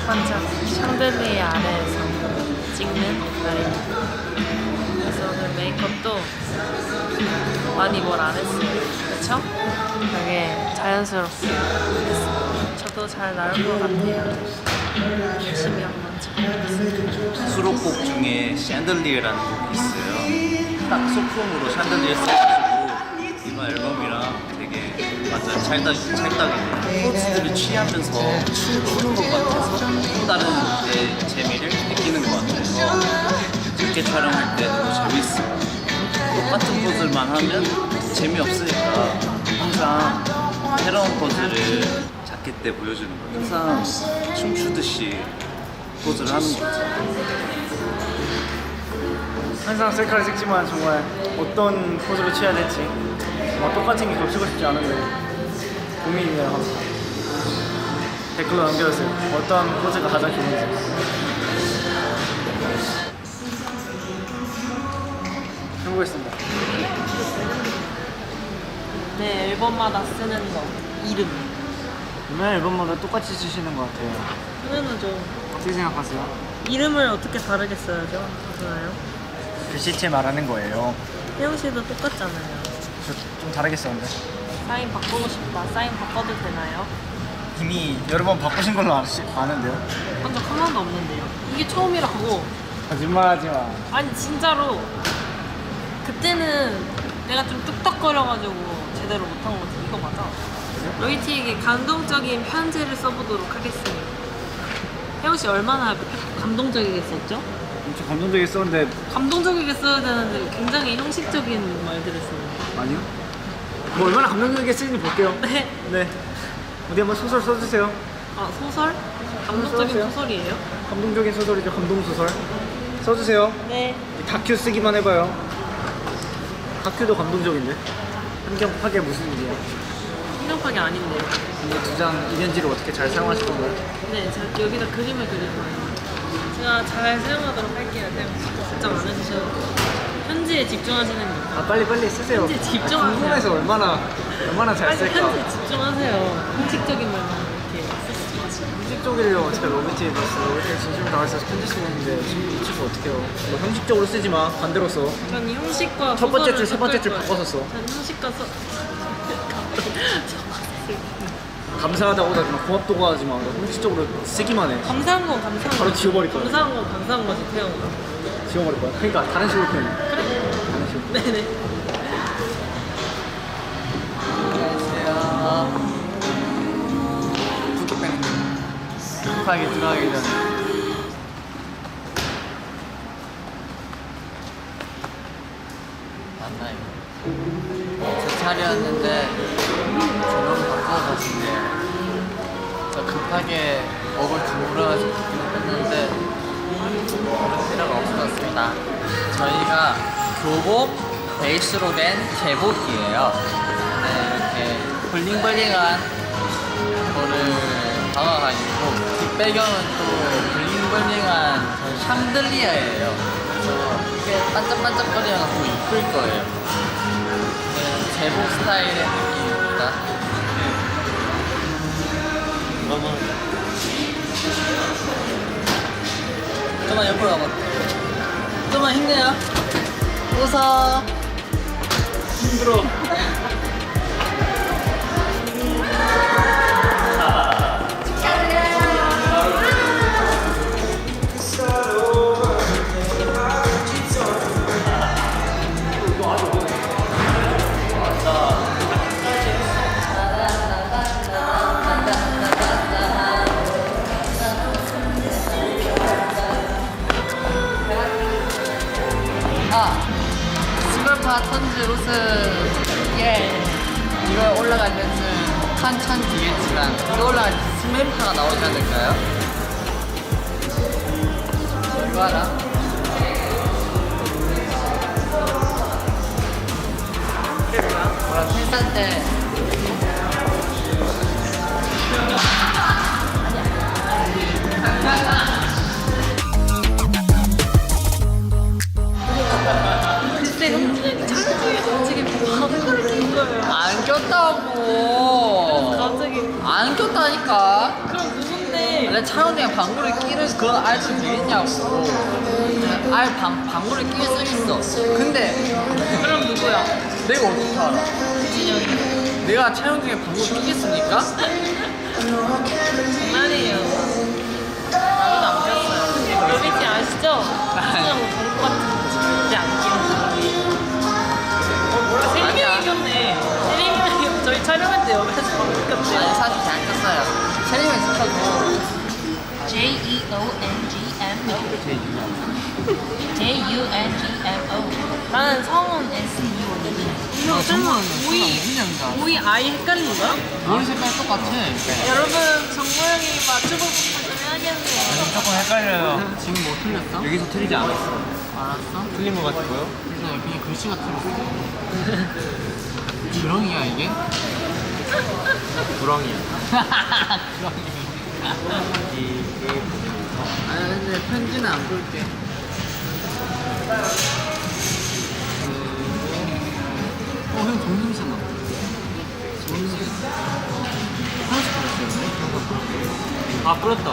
반짝 샹들리에 아래에서 찍는 날입니다. 그래서 오늘 메이크업도 많이 뭘 안 했어요. 그쵸? 되게 자연스럽게 했어요. 저도 잘 나올 것 같아요. 열심히 한번 찍어보겠습니다. 수록곡 중에 샹들리에라는 곡이 있어요. 딱 소품으로 샹들리에 써가지고 이번 앨범이랑 되게 완전 찰떡이네요. 포즈들을 취하면서 추는 것 같아서 또 다른 내 재미를 느끼는 것 같아서 이렇게 촬영할 때 너무 재밌어요. 똑같은 포즈만 하면 재미없으니까 항상 새로운 포즈를 자켓 때 보여주는 거예요. 항상 춤추듯이 포즈를 하는 것 같아요. 항상 셀카를 찍지만 정말 어떤 포즈로 취해야 될지 똑같은 게 겹치고 싶지 않은데 고민이에요 항상. 댓글로 남겨주세요. 어떤 포즈가 가장 좋은지. 해보겠습니다. 네, 앨범마다 쓰는 거 이름. 맨 앨범마다 똑같이 쓰시는 것 같아요. 당연하죠. 어떻게 생각하세요? 이름을 어떻게 다르게 써야죠? 괜찮아요? 글씨체 말하는 거예요. 혜영 씨도 똑같잖아요. 저 좀 다르게 썼는데. 사인 바꾸고 싶다. 사인 바꿔도 되나요? 이미 여러 번 바꾸신 걸로 아는데요. 한 적 한 번도 없는데요. 이게 처음이라고. 거짓말하지 마. 아니 진짜로 그때는 내가 좀 뚝딱거려가지고 제대로 못한 거지. 이거 맞아. 로이티에게 감동적인 편지를 써보도록 하겠습니다. 혜영 씨 얼마나 감동적이게 썼죠? 엄청 감동적이게 썼는데. 감동적이게 써야 되는데 굉장히 형식적인 말들을 쓰는. 아니요? 뭐 얼마나 감동적이게 쓰는지 볼게요. 네. 네. 어디 한번 소설 써주세요. 아 소설? 감동적인 써주세요. 소설이에요? 감동적인 소설이죠. 감동소설. 써주세요. 네. 다큐 쓰기만 해봐요. 다큐도 감동적인데. 한경파게 무슨 일이야. 신경파이 아닌데요. 이 두 장 이면지를 어떻게 잘 사용하실 건가요? 네, 제가 여기다 그림을 그릴 거예요. 제가 잘 사용하도록 할게요. 걱정 안 해주셔도. 편지에 집중하시는 거. 아 빨리 쓰세요. 편지에 집중하세요. 궁금해서 얼마나 잘 빨리 쓸까. 편지에 집중하세요. 형식적인 말만 이렇게 쓰시지. 형식적이래요. 제가 로비티에 봤어. 로비티에 진심을 다해서 편지 쓰고 있는데 지금 이 친구 어떡해요. 뭐 형식적으로 쓰지 마. 반대로 써. 전 형식과 첫 번째 소설을 줄, 세 번째 줄 섞을 바꿔서 써. 거예요. 전 형식과 감사하다고 하지 마. 고맙다고 하지 마. 형식적으로 쓰기만 해. 감사한 건 감사한 거. 바로 지워버릴 거야. 감사한 건 감사한 거지, 태영아. 지워버릴 거야. 그러니까 다른 식으로 표현해. 다른 식으로. 네네. 안녕하세요. 급하게 들어가기 전에 맞나요? 제 차례였는데 조명 바꿔서 가신대요. 저 급하게 먹을 줄 몰라가지고 했는데 그럴 필요가 없어졌습니다. 저희가 교복 베이스로 된 제복이에요. 네, 이렇게 블링블링한 거를 박아가지고 뒷배경은 또 블링블링한 샹들리아예요. 그래서 이게 반짝반짝거리면서 이쁠 거예요. 네, 제복 스타일의 느낌입니다. 좀만 옆으로 가봐. 좀만 힘내요. 웃어. 힘들어. 스컬파 턴즈 로스 예 이거 올라갈 때는 한참 뒤겠지만 이거 올라갈 때 스멜파가 나오지 않을까요? 이거 하나? 뭐라 팬사 때 글쎄 형준이 촬영중에 지금 밥을 낀 거예요. 안 꼈다고 갑자기 안 꼈다니까 그럼 누군데 원래 촬영장에 방구를 끼는 그런 알도 되겠냐고. 방구를 끼는 수 있어. 근데 그럼 누구야? 내가 어떻게 알아? 진영이. 내가 촬영 중에 방구를 끼겠습니까? 장난이에요. 나도 안 꼈어요. 로비티 아시죠? 그냥 방구 같은 거 절대 안 끼는 사람이. 세림이 아니야. 이겼네. 세림이 저희 촬영할 때 옆에서 방구 아니 꼈대요. 사실 잘 꼈어요. 촬영을 시켜도 JEONGMO. 나는 성은 SEO. 이거 설마 오이 아이 헷갈린 거야? 머리 색깔 똑같아. 여러분 정모 형이 맞춰보고 좀 해야겠네요. 조금 헷갈려요. 지금 뭐 틀렸어? 여기서 틀리지 않았어. 알았어? 틀린 것 같고요. 그래서 여기 글씨가 틀렸어. 주렁이야 이게? 구렁이야. 주렁이. 아 근데 편지는 안 볼게. 형 정림사 나. 정림사. 아 불었다.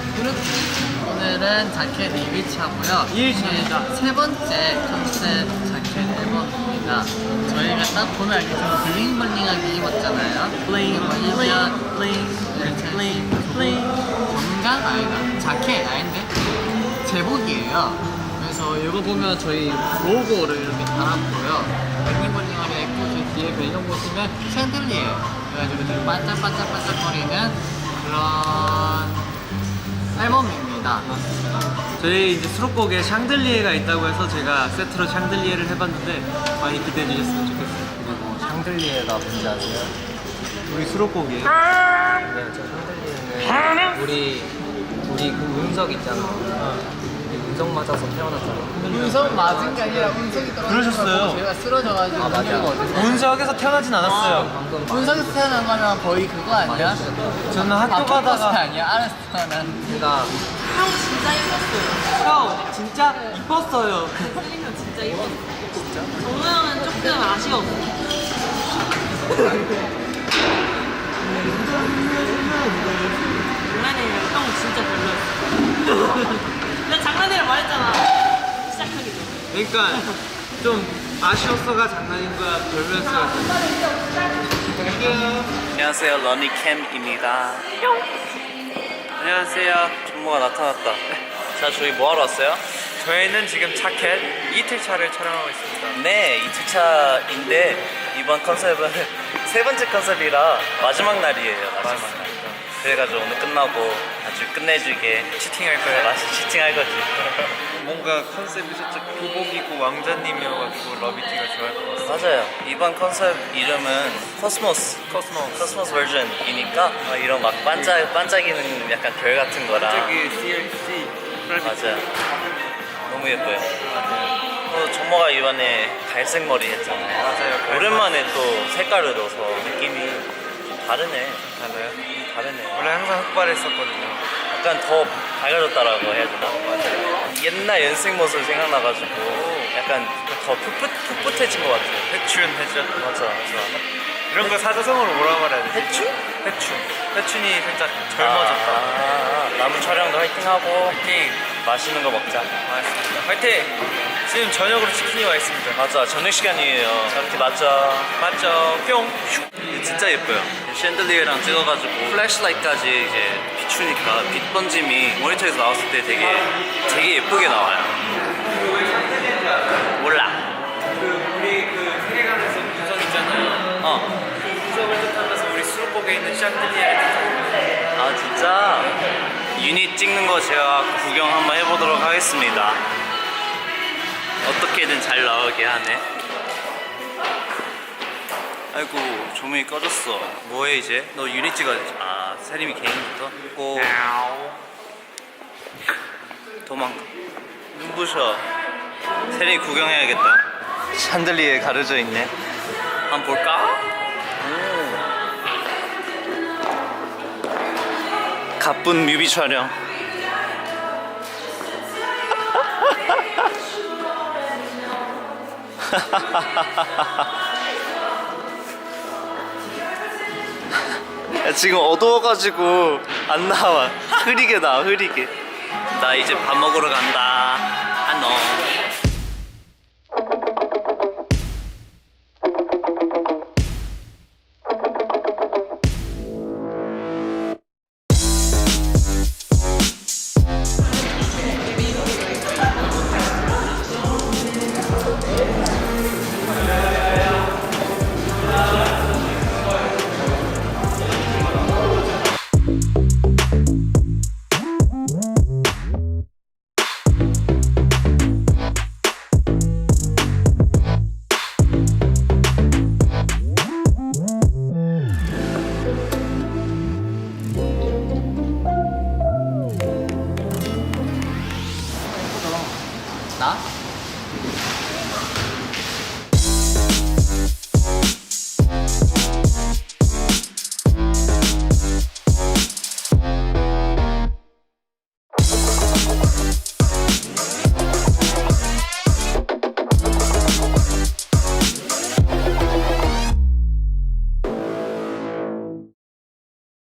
오늘은 자켓 리뷰차고요. 2일차입니다. 세 번째 컨셉 자켓 앨범입니다. 저희가 딱 보면 알겠지만 블링블링하게 입었잖아요. 블링, 건강 아니다. 자켓 아닌데 제복이에요. 그래서 이거 보면 저희 로고를 이렇게 달았고요. 블링블링하게 입고 저 뒤에 배경 보시면 샌들리에요. 그래가지고 되게 반짝반짝반짝거리는 그런 앨범입니다. 저희 이제 수록곡에 샹들리에가 있다고 해서 제가 세트로 샹들리에를 해봤는데 많이 기대해 주셨으면 좋겠어요. 그리고 샹들리에가 뭔지 아세요? 우리 수록곡이에요. 네, 저 샹들리에는 우리 그 운석 있잖아. 우리 운석 맞아서 태어났잖아. 운석 맞은 게 아니라 운석이 떨어진 그러셨어요. 걸 보고 제가 쓰러져가지고 아, 맞아. 운석이 어디서 운석에서 태어나진 않았어요. 방금 운석에서 태어난 거면 거의 그거 아니야? 저는 학교 아토커스 가다가 아니야? 알았어 난 제가 형 진짜 이뻤어요. 형 진짜 이뻤어요. 세림이 형 진짜 이뻤어. 진짜? 정모 형은 조금 아쉬웠어. 장난이에요. 형 진짜 별로였어. 내가 장난이라 말했잖아. 시작하기 전에. 그러니까 좀 아쉬웠어가 장난인 거야 별로였어요. 안녕하세요, 러니캠입니다. 안녕하세요, 전모가 나타났다. 자, 저희 뭐 하러 왔어요? 저희는 지금 자켓 이틀차를 촬영하고 있습니다. 네, 2주차인데 이번 컨셉은 세 번째 컨셉이라 마지막 날이에요. 마지막 날. 그래가지고 오늘 끝나고 아주 끝내주게 치팅할 거예요. 맛이 치팅할 거지. 뭔가 컨셉이 살짝 교복이고 왕자님이어가지고 러비티가 좋아할 것 같아요. 맞아요. 이번 컨셉 이름은 코스모스 버전이니까 이런 막 반짝이는 약간 별 같은 거랑 갑자기 CLC 맞아요. 너무 예뻐요. 정모가 이번에 갈색 머리 했잖아요. 맞아요. 오랜만에 또 색깔을 넣어서 느낌이 좀 다르네. 달라요? 다르네. 원래 항상 흑발했었거든요. 약간 더 밝아졌다라고 해야 되나? 맞아요. 옛날 연습생 모습 생각나가지고 약간 더 풋풋해진 것 같아요. 회춘했죠. 맞아. 이런 거 사자성어로 뭐라고 말해야 되지? 해충? 회춘. 회춘이 살짝 젊어졌다. 남은 촬영도 화이팅하고 화이팅! 맛있는 거 먹자. 맞습니다. 화이팅! 지금 저녁으로 치킨이 와 있습니다. 맞아. 저녁 시간이에요. 저렇게 맞죠? 맞죠? 뿅! 진짜 예뻐요. 샌들리에랑 찍어가지고 플래시라이트까지 이제 비추니까 빛 번짐이 모니터에서 나왔을 때 되게 예쁘게 나와요. 몰라. 우리 그 세계관에서 구성 있잖아요. 그 구성을 뜻하면서 우리 수록곡에 있는 샹들리에를 뜻합니다. 아 진짜? 유닛 찍는 거 제가 구경 한번 해보도록 하겠습니다. 어떻게든 잘 나오게 하네. 아이고 조명이 꺼졌어. 뭐해 이제? 너 유닛 찍어야지. 아 세림이 개인부터? 고 도망가. 눈부셔. 세림이 구경해야겠다. 샹들리에 가려져 있네. 한번 볼까? 가쁜 뮤비 촬영. 야, 지금 어두워가지고 안 나와. 흐리게 나와, 흐리게. 나 이제 밥 먹으러 간다. 안녕. 나?